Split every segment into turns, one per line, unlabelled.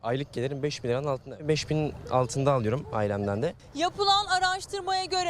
Aylık gelirim 5 bin liranın altında. 5 bin altında alıyorum ailemden de.
Yapılan araştırmaya göre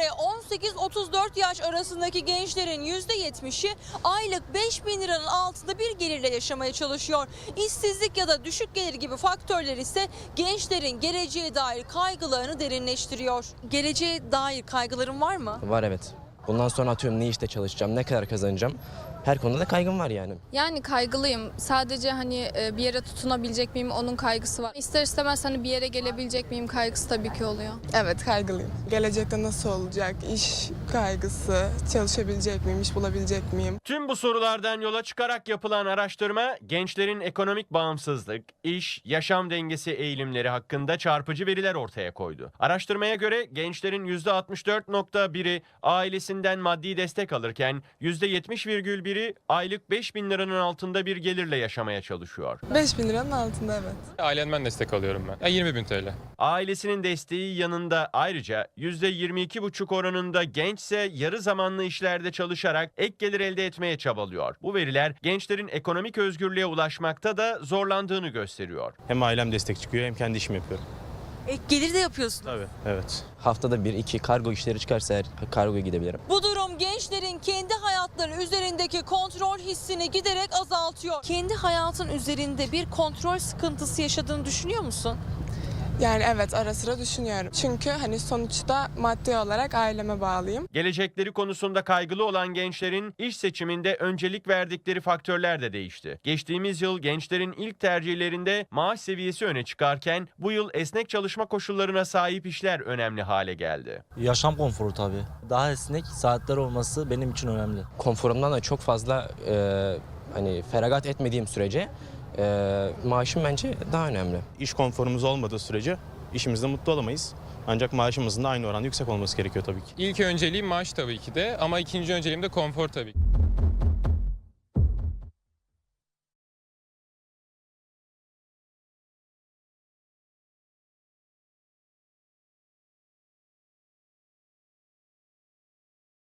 18-34 yaş arasındaki gençlerin %70'i aylık 5 bin liranın altında bir gelirle yaşamaya çalışıyor. İşsizlik ya da düşük gelir gibi faktörler ise gençlerin geleceğe dair kaygılarını derinleştiriyor. Geleceğe dair kaygıların var mı?
Var, evet. Bundan sonra atıyorum ne işte çalışacağım, ne kadar kazanacağım. Her konuda da kaygım var yani.
Yani kaygılıyım. Sadece hani bir yere tutunabilecek miyim onun kaygısı var. İster istemez hani bir yere gelebilecek miyim kaygısı tabii ki oluyor.
Evet, kaygılıyım. Gelecekte nasıl olacak? İş kaygısı, çalışabilecek miyim, iş bulabilecek miyim?
Tüm bu sorulardan yola çıkarak yapılan araştırma, gençlerin ekonomik bağımsızlık, iş, yaşam dengesi eğilimleri hakkında çarpıcı veriler ortaya koydu. Araştırmaya göre gençlerin %64.1'i ailesinden maddi destek alırken %70,1'i aylık 5 bin liranın altında bir gelirle yaşamaya çalışıyor.
5 bin liranın altında, evet.
Ailemden destek alıyorum ben. 20.000 TL.
Ailesinin desteği yanında ayrıca %22,5 oranında gençse yarı zamanlı işlerde çalışarak ek gelir elde etmeye çabalıyor. Bu veriler gençlerin ekonomik özgürlüğe ulaşmakta da zorlandığını gösteriyor.
Hem ailem destek çıkıyor hem kendi işimi yapıyorum.
Ek gelir de yapıyorsun.
Tabii. Evet.
Haftada 1-2 kargo işleri çıkarsa eğer kargoya gidebilirim.
Bu durum gençlerin kendi hayatları üzerindeki kontrol hissini giderek azaltıyor. Kendi hayatın üzerinde bir kontrol sıkıntısı yaşadığını düşünüyor musun?
Yani evet, ara sıra düşünüyorum. Çünkü hani sonuçta maddi olarak aileme bağlıyım.
Gelecekleri konusunda kaygılı olan gençlerin iş seçiminde öncelik verdikleri faktörler de değişti. Geçtiğimiz yıl gençlerin ilk tercihlerinde maaş seviyesi öne çıkarken bu yıl esnek çalışma koşullarına sahip işler önemli hale geldi.
Yaşam konforu tabii. Daha esnek saatler olması benim için önemli.
Konforumdan da çok fazla hani feragat etmediğim sürece maaşım bence daha önemli.
İş konforumuz olmadığı sürece işimizde mutlu olamayız. Ancak maaşımızın da aynı oranda yüksek olması gerekiyor tabii ki.
İlk önceliğim maaş tabii ki de ama ikinci önceliğim de konfor tabii ki.